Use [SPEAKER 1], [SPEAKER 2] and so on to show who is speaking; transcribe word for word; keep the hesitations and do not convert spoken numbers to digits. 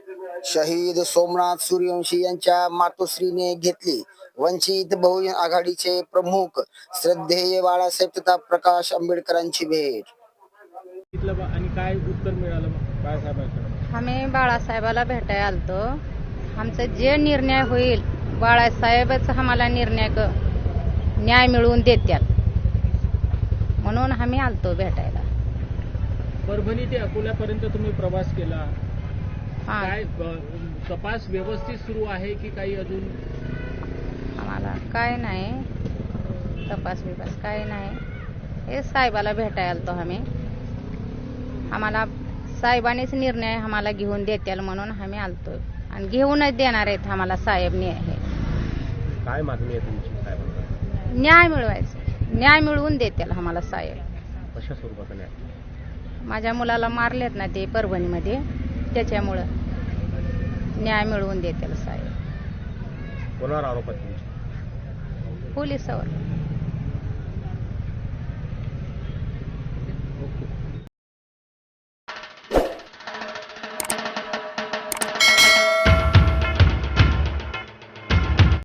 [SPEAKER 1] शहीद सोमनाथ सूर्यवंशी यांच्या मातोश्रीने घेतली वंचित बहुजन आघाडीचे प्रमुख श्रद्धेय बाळासाहेब तथा प्रकाश आंबेडकरांची भेट.
[SPEAKER 2] आणि काय उत्तर मिळालं मग बाळासाहेबांकडे?
[SPEAKER 3] आम्ही बाळासाहेबाला भेटायला आलतो. आमचं जे निर्णय होईल बाळासाहेबच आम्हाला निर्णय न्याय मिळवून देतात म्हणून आम्ही आलतो भेटायला.
[SPEAKER 2] परभणी ते अकोल्यापर्यंत तुम्ही प्रवास केला,
[SPEAKER 3] हा.
[SPEAKER 2] काय तपास व्यवस्थित सुरू आहे की काही अजून?
[SPEAKER 3] आम्हाला काय नाही तपास बिपास काय नाही. हे साहेबाला भेटायला आलतो आम्ही. आम्हाला साहेबांनीच निर्णय आम्हाला घेऊन देतील म्हणून आम्ही आलतो आणि घेऊनच देणार आहेत आम्हाला साहेब न्याय.
[SPEAKER 2] काय मागणी आहे तुमची साहेबांना?
[SPEAKER 3] न्याय मिळवायचं, न्याय मिळवून देतील आम्हाला साहेब.
[SPEAKER 2] कशा स्वरूपाचा न्याय?
[SPEAKER 3] माझ्या मुलाला मारलेत ना ते परभणीमध्ये, त्याच्यामुळं न्याय मिळवून देतील साहेब.
[SPEAKER 2] कोणावर आरोप आहे तुमचे?
[SPEAKER 3] पोलिसावर.